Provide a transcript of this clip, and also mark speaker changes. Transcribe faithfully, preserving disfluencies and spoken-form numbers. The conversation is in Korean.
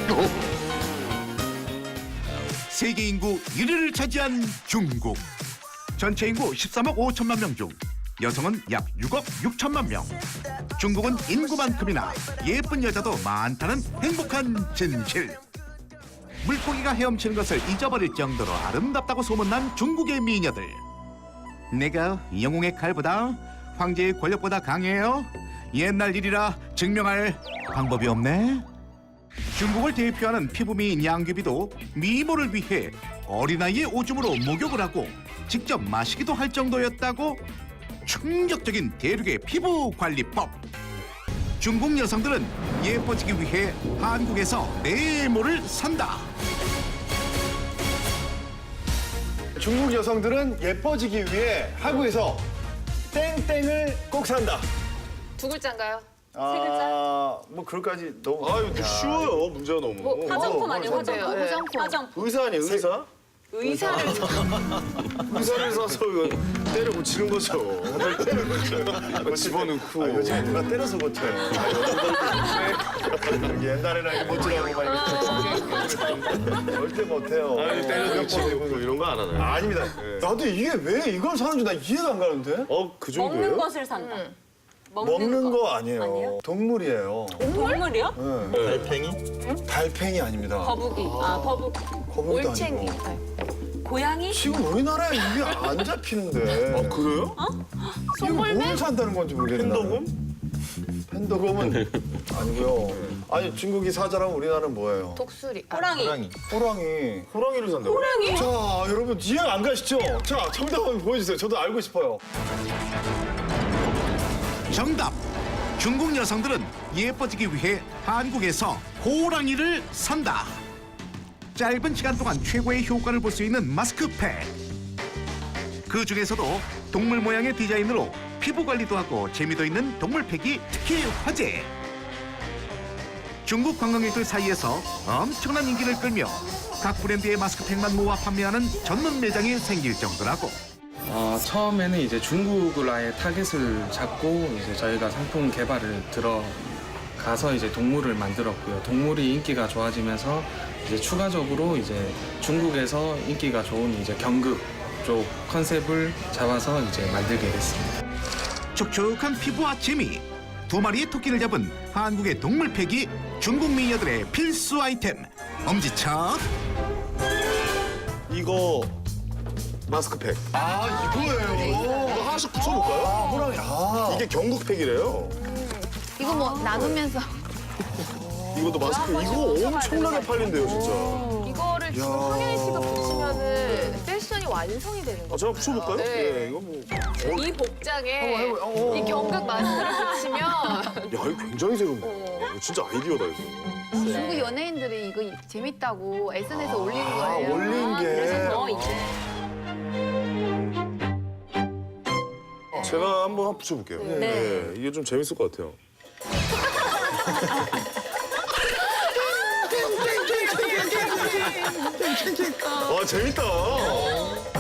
Speaker 1: 세계 인구 일 위를 차지한 중국. 전체 인구 십삼억 오천만 명 중 여성은 약 육억 육천만 명. 중국은 인구만큼이나 예쁜 여자도 많다는 행복한 진실. 물고기가 헤엄치는 것을 잊어버릴 정도로 아름답다고 소문난 중국의 미녀들. 내가 영웅의 칼보다 황제의 권력보다 강해요? 옛날 일이라 증명할 방법이 없네. 중국을 대표하는 피부미인 양귀비도 미모를 위해 어린아이의 오줌으로 목욕을 하고 직접 마시기도 할 정도였다고? 충격적인 대륙의 피부 관리법. 중국 여성들은 예뻐지기 위해 한국에서 네모를 산다.
Speaker 2: 중국 여성들은 예뻐지기 위해 한국에서 땡땡을 꼭 산다.
Speaker 3: 두 글자인가요?
Speaker 2: 아,
Speaker 3: 세 글자?
Speaker 2: 뭐 그럴까지 너무.
Speaker 4: 아, 이거 쉬워요. 문제가 너무.
Speaker 3: 뭐 화장품 아니에요? 화장품?
Speaker 2: 네.
Speaker 3: 화장품. 화장품.
Speaker 4: 의사 아니에요, 의사?
Speaker 3: 의사를
Speaker 4: 의사를 사서 이거 때려 고치는 거죠. 때려 고쳐요. 집어넣고.
Speaker 2: 아, 요즘에 누가 때려서 고쳐요. 아, 옛날에는 이거 못지라고 막 이렇게. 절대 못해요.
Speaker 4: 아니, 때려 고치고 뭐 이런 거 안 하나요?
Speaker 2: 아, 아닙니다. 나도 이게 왜 이걸 사는지 나 이해가 안 가는데?
Speaker 4: 어, 그 정도예요?
Speaker 3: 먹는 것을 산다.
Speaker 2: 먹는 거 아니에요.
Speaker 3: 아니에요?
Speaker 2: 동물이에요.
Speaker 3: 동물이요?
Speaker 2: 네.
Speaker 4: 달팽이?
Speaker 2: 달팽이 아닙니다.
Speaker 3: 거북이. 아, 거북이.
Speaker 2: 거북이도
Speaker 3: 올챙이.
Speaker 2: 아니고.
Speaker 3: 고양이?
Speaker 2: 지금 우리나라에 이게 안 잡히는데.
Speaker 4: 아, 그래요?
Speaker 2: 이거 뭘 산다는 건지 모르겠네.
Speaker 4: 팬더곰?
Speaker 2: 팬더곰은 아니고요. 아니 중국이 사자라면 우리나라는 뭐예요?
Speaker 3: 독수리.
Speaker 5: 호랑이.
Speaker 2: 호랑이.
Speaker 4: 호랑이를 산다고?
Speaker 3: 호랑이?
Speaker 2: 자 여러분 이해 안 가시죠? 자 정답 한번 보여주세요. 저도 알고 싶어요.
Speaker 1: 정답. 중국 여성들은 예뻐지기 위해 한국에서 호랑이를 산다. 짧은 시간 동안 최고의 효과를 볼 수 있는 마스크팩. 그 중에서도 동물 모양의 디자인으로 피부 관리도 하고 재미도 있는 동물팩이 특히 화제. 중국 관광객들 사이에서 엄청난 인기를 끌며 각 브랜드의 마스크팩만 모아 판매하는 전문 매장이 생길 정도라고.
Speaker 6: 어, 처음에는 이제 중국을 아예 타겟을 잡고 이제 저희가 상품 개발을 들어가서 이제 동물을 만들었고요. 동물이 인기가 좋아지면서 이제 추가적으로 이제 중국에서 인기가 좋은 이제 경극 쪽 컨셉을 잡아서 이제 만들게 됐습니다.
Speaker 1: 촉촉한 피부와 재미. 두 마리의 토끼를 잡은 한국의 동물팩이 중국 미녀들의 필수 아이템. 엄지척.
Speaker 4: 이거 마스크팩.
Speaker 2: 아 이거예요.
Speaker 4: 이거 하나씩 붙여볼까요?
Speaker 2: 아 호랑이. 아
Speaker 4: 이게 경국팩이래요.
Speaker 5: 이거 뭐 나누면서
Speaker 4: 이것도 마스크. 이거 엄청나게 팔린대요, 진짜.
Speaker 3: 이거를 지금
Speaker 2: 야.
Speaker 3: 황현희 씨가 붙이면은 패션이 완성이 되는
Speaker 4: 아,
Speaker 3: 거예요.
Speaker 4: 제가 붙여볼까요?
Speaker 3: 네.
Speaker 4: 예, 이거 뭐. 어,
Speaker 3: 이 복장에
Speaker 2: 한번 해봐요. 어, 어,
Speaker 3: 이 경극 마스크를 붙이면
Speaker 4: 야, 이거 굉장히 새롭네. 이거 진짜 아이디어다, 이거.
Speaker 5: 중국 연예인들이 이거 재밌다고 에스엔에스에 올린
Speaker 2: 아,
Speaker 5: 거예요.
Speaker 2: 올린 게.
Speaker 3: 그래서 더 이제
Speaker 4: 제가 한번 붙여볼게요.
Speaker 3: 네.
Speaker 4: 네, 이게 좀 재밌을 것 같아요. 아, 재밌다.